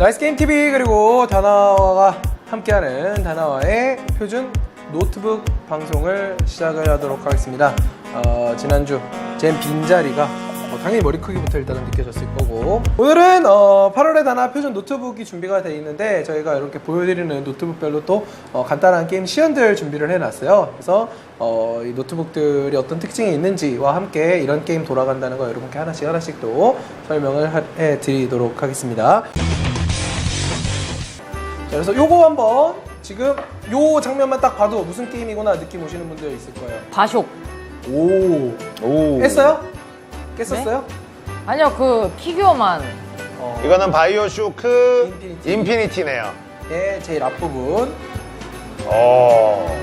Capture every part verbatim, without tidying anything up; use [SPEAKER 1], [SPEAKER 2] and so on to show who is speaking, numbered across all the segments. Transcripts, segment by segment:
[SPEAKER 1] 나이스게임티비 그리고 다나와가 함께하는 다나와의 표준 노트북 방송을 시작을 하도록 하겠습니다. 어, 지난주 젠 빈자리가 어, 당연히 머리 크기부터 일단은 느껴졌을 거고, 오늘은 어, 팔월에 다나 표준 노트북이 준비가 되어 있는데 저희가 이렇게 보여드리는 노트북별로 또 어, 간단한 게임 시연들 준비를 해놨어요. 그래서 어, 이 노트북들이 어떤 특징이 있는지와 함께 이런 게임 돌아간다는 거 여러분께 하나씩 하나씩 또 설명을 하, 해드리도록 하겠습니다. 자, 그래서 요거 한번 지금 요 장면만 딱 봐도 무슨 게임이구나 느낌 오시는 분들 있을 거예요.
[SPEAKER 2] 바쇼.
[SPEAKER 1] 오,
[SPEAKER 3] 오.
[SPEAKER 1] 깼어요? 깼었어요?
[SPEAKER 2] 네? 아니요, 그 피규어만.
[SPEAKER 1] 어,
[SPEAKER 3] 이거는 바이오쇼크
[SPEAKER 1] 인피니티.
[SPEAKER 3] 인피니티네요.
[SPEAKER 1] 예, 제일 앞부분.
[SPEAKER 3] 어.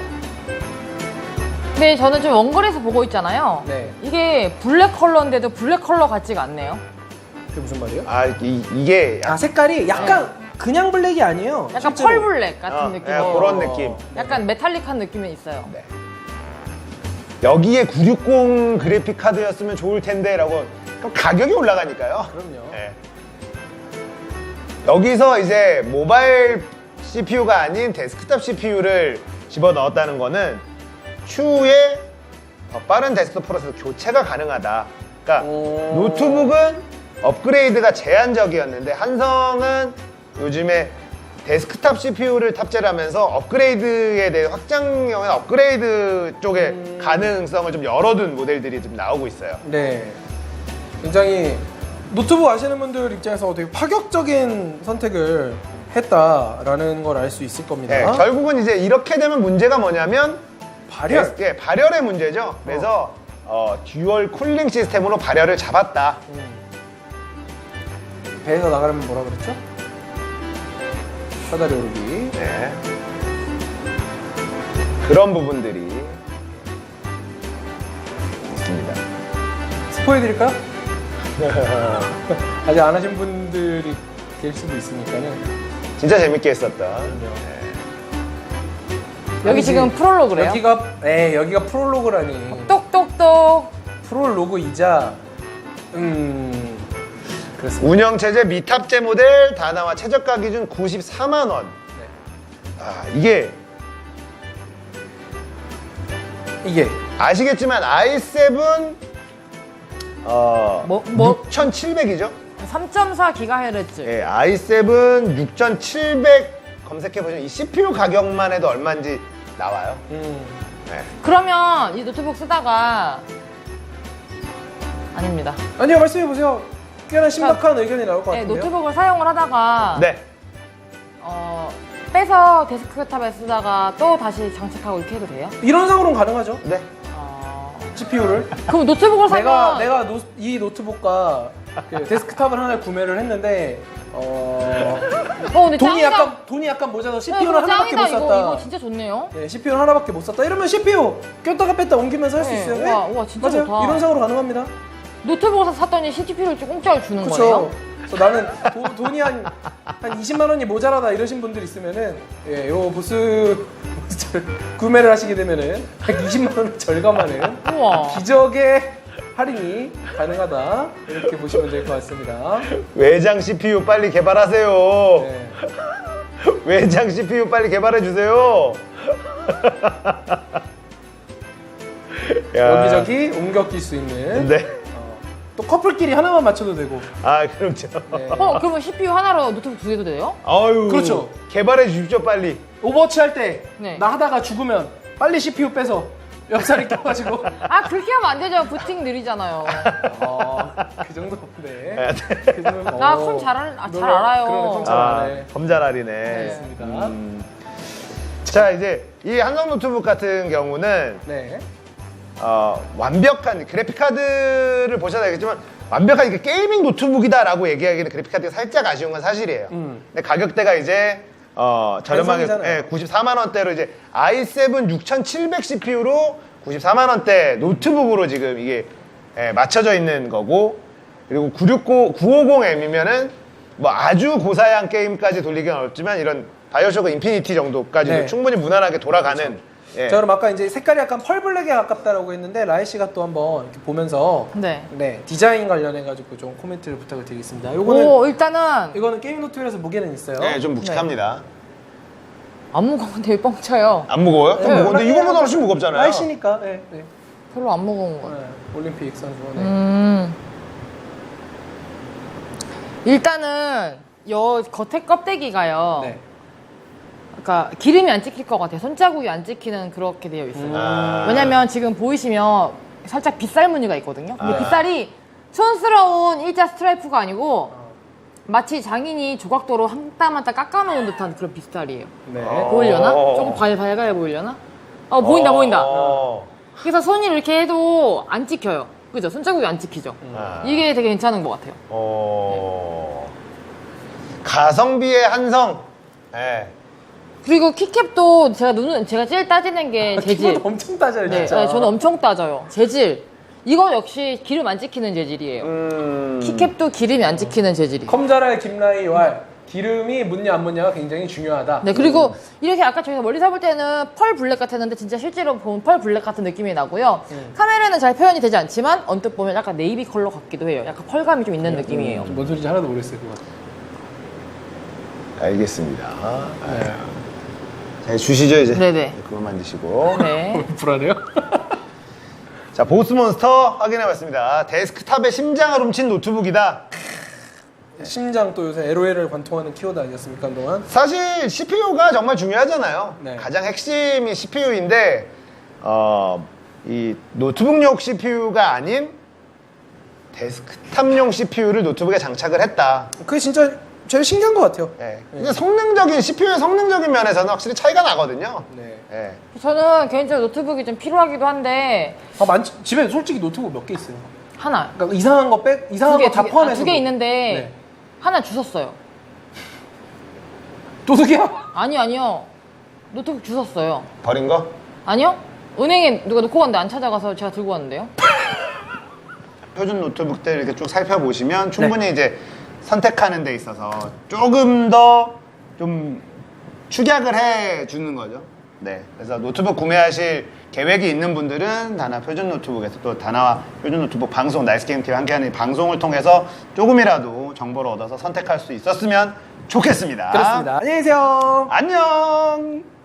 [SPEAKER 2] 근데 저는 좀 원글에서 보고 있잖아요.
[SPEAKER 1] 네.
[SPEAKER 2] 이게 블랙 컬러인데도 블랙 컬러 같지가 않네요.
[SPEAKER 1] 그게 무슨 말이에요?
[SPEAKER 3] 아, 이, 이게
[SPEAKER 1] 아, 색깔이 약간 그냥 블랙이 아니에요.
[SPEAKER 2] 약간
[SPEAKER 1] 실제로.
[SPEAKER 2] 펄 블랙 같은
[SPEAKER 3] 어,
[SPEAKER 2] 느낌.
[SPEAKER 3] 예, 그런 느낌.
[SPEAKER 2] 약간 메탈릭한 느낌이 있어요.
[SPEAKER 3] 네. 여기에 구백육십 그래픽 카드였으면 좋을 텐데 라고. 그럼 가격이 올라가니까요.
[SPEAKER 1] 그럼요.
[SPEAKER 3] 네. 여기서 이제 모바일 씨피유가 아닌 데스크탑 씨피유를 집어넣었다는 거는 추후에 더 빠른 데스크톱 프로세서 교체가 가능하다. 그러니까
[SPEAKER 1] 오.
[SPEAKER 3] 노트북은 업그레이드가 제한적이었는데 한성은 요즘에 데스크탑 씨피유를 탑재를 하면서 업그레이드에 대해 확장형의 업그레이드 쪽에
[SPEAKER 1] 음.
[SPEAKER 3] 가능성을 좀 열어둔 모델들이 좀 나오고 있어요.
[SPEAKER 1] 네. 굉장히 노트북 아시는 분들 입장에서 되게 파격적인 선택을 했다라는 걸 알 수 있을 겁니다.
[SPEAKER 3] 네, 결국은 이제 이렇게 되면 문제가 뭐냐면
[SPEAKER 1] 발열.
[SPEAKER 3] 예, 발열의 문제죠. 그래서 어, 듀얼 쿨링 시스템으로 발열을 잡았다.
[SPEAKER 1] 음. 배에서 나가려면 뭐라 그랬죠? 사다리 오르기.
[SPEAKER 3] 네. 그런 부분들이 있습니다.
[SPEAKER 1] 스포해드릴까요? 아직 안 하신 분들이 계실 수도 있으니까는.
[SPEAKER 3] 진짜 재밌게 했었던.
[SPEAKER 1] 네.
[SPEAKER 2] 여기
[SPEAKER 1] 아니지.
[SPEAKER 2] 지금 프롤로그래요.
[SPEAKER 1] 여기가, 에 여기가 프롤로그라니.
[SPEAKER 2] 똑똑똑.
[SPEAKER 1] 프롤로그이자, 음, 그렇습니다.
[SPEAKER 3] 운영체제 미탑재 모델 다나와 최저가 기준 구십사만 원.
[SPEAKER 1] 네.
[SPEAKER 3] 아, 이게
[SPEAKER 1] 이게
[SPEAKER 3] 아시겠지만 아이 세븐 어,
[SPEAKER 2] 뭐- 뭐?
[SPEAKER 3] 육천칠백이죠?
[SPEAKER 2] 삼 점 사 기가헤르츠.
[SPEAKER 3] 예, 아이 세븐 육천칠백 검색해보시면 이 씨피유 가격만 해도 얼마인지 나와요.
[SPEAKER 1] 음,
[SPEAKER 3] 네.
[SPEAKER 2] 그러면 이 노트북 쓰다가 아닙니다.
[SPEAKER 1] 아니요, 말씀해보세요. 꽤나 심각한 의견이 나올 것
[SPEAKER 2] 네,
[SPEAKER 1] 같은데요.
[SPEAKER 2] 노트북을 사용을 하다가
[SPEAKER 3] 네.
[SPEAKER 2] 어, 빼서 데스크탑에 쓰다가 또 다시 장착하고 이렇게 해도 돼요?
[SPEAKER 1] 이런 상으로는 가능하죠.
[SPEAKER 3] 네.
[SPEAKER 2] 어...
[SPEAKER 1] 씨피유를.
[SPEAKER 2] 그럼 노트북을 사면
[SPEAKER 1] 내가 내가 노, 이 노트북과 그 데스크탑을 하나 구매를 했는데 어,
[SPEAKER 2] 어, 근데
[SPEAKER 1] 돈이
[SPEAKER 2] 짱이다.
[SPEAKER 1] 약간 돈이 약간 모자라서
[SPEAKER 2] 네,
[SPEAKER 1] 씨피유를
[SPEAKER 2] 그거
[SPEAKER 1] 하나밖에
[SPEAKER 2] 짱이다.
[SPEAKER 1] 못 샀다.
[SPEAKER 2] 이거, 이거 진짜 좋네요.
[SPEAKER 1] 네, 씨피유를 하나밖에 못 샀다. 이러면 씨피유 꼈다가 뺐다 옮기면서 할 수
[SPEAKER 2] 네,
[SPEAKER 1] 있어요.
[SPEAKER 2] 우와,
[SPEAKER 1] 네?
[SPEAKER 2] 우와, 진짜
[SPEAKER 1] 맞아요.
[SPEAKER 2] 좋다.
[SPEAKER 1] 이런 상으로 가능합니다.
[SPEAKER 2] 노트북을 사- 샀더니 씨피유를 공짜로 주는
[SPEAKER 1] 그렇죠.
[SPEAKER 2] 거예요?
[SPEAKER 1] 그래서 나는 도, 돈이 한, 한 이십만 원이 모자라다 이러신 분들 있으면은 예, 요 보스 보스를 구매를 하시게 되면은 한 이십만 원 절감하는
[SPEAKER 2] 우와.
[SPEAKER 1] 기적의 할인이 가능하다 이렇게 보시면 될 것 같습니다.
[SPEAKER 3] 외장 씨피유 빨리 개발하세요.
[SPEAKER 1] 네.
[SPEAKER 3] 외장 씨피유 빨리 개발해주세요. 야.
[SPEAKER 1] 여기저기 옮겨 낄 수 있는
[SPEAKER 3] 네.
[SPEAKER 1] 어, 또 커플끼리 하나만 맞춰도 되고.
[SPEAKER 3] 아, 그렇죠.
[SPEAKER 1] 네.
[SPEAKER 2] 어, 그러면 씨피유 하나로 노트북 두 개도 돼요?
[SPEAKER 3] 아유.
[SPEAKER 1] 그렇죠.
[SPEAKER 3] 개발해 주십시오, 빨리.
[SPEAKER 1] 오버워치 할 때 나
[SPEAKER 2] 네.
[SPEAKER 1] 하다가 죽으면 빨리 씨피유 빼서 옆살이 껴가지고
[SPEAKER 2] 아, 그렇게 하면 안 되죠. 부팅 느리잖아요.
[SPEAKER 1] 어, 그 정도인데
[SPEAKER 3] 아,
[SPEAKER 1] 그 정도면
[SPEAKER 2] 나
[SPEAKER 1] 어,
[SPEAKER 2] 컴 잘, 알, 아, 잘
[SPEAKER 1] 노래-
[SPEAKER 2] 알아요.
[SPEAKER 1] 그러네, 컴 잘
[SPEAKER 3] 아,
[SPEAKER 1] 알네.
[SPEAKER 3] 검잘알이네.
[SPEAKER 1] 알겠습니다.
[SPEAKER 3] 음. 자, 이제 이 한성 노트북 같은 경우는
[SPEAKER 1] 네.
[SPEAKER 3] 어, 완벽한 그래픽 카드를 보셔야 되겠지만 완벽한 이게 게이밍 노트북이다라고 얘기하기는 그래픽 카드가 살짝 아쉬운 건 사실이에요.
[SPEAKER 1] 음.
[SPEAKER 3] 근데 가격대가 이제 어, 저렴하게
[SPEAKER 1] 한성이잖아요.
[SPEAKER 3] 예, 구십사만 원대로 이제 아이 세븐 육천칠백 씨피유로 구십사만 원대 노트북으로 지금 이게 예, 맞춰져 있는 거고, 그리고 구백육십 엠이면은 뭐 아주 고사양 게임까지 돌리기는 어렵지만 이런 바이오쇼크 인피니티 정도까지도
[SPEAKER 1] 네.
[SPEAKER 3] 충분히 무난하게 돌아가는 예.
[SPEAKER 1] 자, 그럼 아까 이제 색깔이 약간 펄블랙에 가깝다라고 했는데 라이 씨가 또 한번 이렇게 보면서
[SPEAKER 2] 네.
[SPEAKER 1] 네, 디자인 관련해 가지고 좀 코멘트를 부탁을 드리겠습니다. 요거는
[SPEAKER 2] 오, 일단은
[SPEAKER 1] 이거는 게임 노트북에서 무게는 있어요.
[SPEAKER 3] 네, 좀 묵직합니다.
[SPEAKER 2] 안 무거운데 왜 뻥쳐요?
[SPEAKER 3] 안 무거워요? 좀
[SPEAKER 1] 네,
[SPEAKER 3] 무거운데
[SPEAKER 1] 원래
[SPEAKER 3] 이거보다 훨씬 무겁잖아요.
[SPEAKER 1] 라이 씨니까. 네, 네.
[SPEAKER 2] 별로 안 무거운 거.
[SPEAKER 1] 네, 올림픽 선수. 네.
[SPEAKER 2] 음. 일단은 여 겉에 껍데기가요.
[SPEAKER 1] 네.
[SPEAKER 2] 그러니까 기름이 안 찍힐 것 같아요. 손자국이 안 찍히는 그렇게 되어 있어요.
[SPEAKER 1] 음.
[SPEAKER 3] 아.
[SPEAKER 2] 왜냐면 지금 보이시면 살짝 빗살 무늬가 있거든요. 근데
[SPEAKER 3] 아.
[SPEAKER 2] 빗살이 촌스러운 일자 스트라이프가 아니고 마치 장인이 조각도로 한 땀 한 땀 깎아놓은 듯한 그런 빗살이에요.
[SPEAKER 1] 네.
[SPEAKER 3] 어.
[SPEAKER 2] 보이려나? 조금 발, 밝아야 보이려나? 어, 보인다, 보인다.
[SPEAKER 3] 어.
[SPEAKER 2] 그래서 손이 이렇게 해도 안 찍혀요. 그죠? 손자국이 안 찍히죠?
[SPEAKER 3] 아.
[SPEAKER 2] 이게 되게 괜찮은 것 같아요.
[SPEAKER 3] 어. 가성비의 한성. 네.
[SPEAKER 2] 그리고 키캡도 제가 눈은, 제가 제일 따지는 게 재질.
[SPEAKER 1] 키보드 엄청 따져요,
[SPEAKER 2] 네,
[SPEAKER 1] 진짜.
[SPEAKER 2] 네, 저는 엄청 따져요. 재질. 이거 역시 기름 안 찍히는 재질이에요.
[SPEAKER 3] 음.
[SPEAKER 2] 키캡도 기름이 안 찍히는 재질이에요.
[SPEAKER 1] 컴자랄 김라이 왈 기름이 묻냐 안 묻냐가 굉장히 중요하다.
[SPEAKER 2] 네, 그리고 이렇게 아까 저희가 멀리서 볼 때는 펄 블랙 같았는데 진짜 실제로 보면 펄 블랙 같은 느낌이 나고요.
[SPEAKER 1] 음.
[SPEAKER 2] 카메라는 잘 표현이 되지 않지만 언뜻 보면 약간 네이비 컬러 같기도 해요. 약간 펄감이 좀 있는 느낌이에요.
[SPEAKER 1] 뭔 소리인지 하나도 모르겠어요, 그거.
[SPEAKER 3] 알겠습니다. 네. 자, 주시죠 이제.
[SPEAKER 2] 네네.
[SPEAKER 3] 그거 만드시고.
[SPEAKER 2] 네.
[SPEAKER 1] 불안해요?
[SPEAKER 3] 자, 보스몬스터 확인해봤습니다. 데스크탑의 심장을 훔친 노트북이다.
[SPEAKER 1] 심장 또 요새 엘오엘을 관통하는 키워드 아니었습니까, 한동안?
[SPEAKER 3] 사실 씨피유가 정말 중요하잖아요.
[SPEAKER 1] 네.
[SPEAKER 3] 가장 핵심이 씨피유인데 어, 이 노트북용 씨피유가 아닌 데스크탑용 씨피유를 노트북에 장착을 했다.
[SPEAKER 1] 그게 진짜 제일 신기한 것 같아요.
[SPEAKER 3] 네. 근데 성능적인 씨피유의 성능적인 면에서는 확실히 차이가 나거든요.
[SPEAKER 1] 네.
[SPEAKER 3] 네.
[SPEAKER 2] 저는 개인적으로 노트북이 좀 필요하기도 한데
[SPEAKER 1] 아, 많지, 집에 솔직히 노트북 몇 개 있어요.
[SPEAKER 2] 하나.
[SPEAKER 1] 그러니까 이상한 거 빼, 이상한 거 다 포함해서.
[SPEAKER 2] 두 개 있는데
[SPEAKER 1] 네.
[SPEAKER 2] 하나 주웠어요.
[SPEAKER 1] 도둑이야?
[SPEAKER 2] 아니 아니요. 노트북 주웠어요.
[SPEAKER 3] 버린 거?
[SPEAKER 2] 아니요? 은행에 누가 놓고 갔는데 안 찾아가서 제가 들고 왔는데요.
[SPEAKER 3] 표준 노트북들 이렇게 쭉 살펴보시면 충분히 이제 선택하는 데 있어서 조금 더 좀 축약을 해 주는 거죠. 네. 그래서 노트북 구매하실 계획이 있는 분들은 다나 표준 노트북에서 또 다나와 표준 노트북 방송 나이스게임티와 함께하는 이 방송을 통해서 조금이라도 정보를 얻어서 선택할 수 있었으면 좋겠습니다.
[SPEAKER 1] 그렇습니다. 안녕히 계세요.
[SPEAKER 3] 안녕.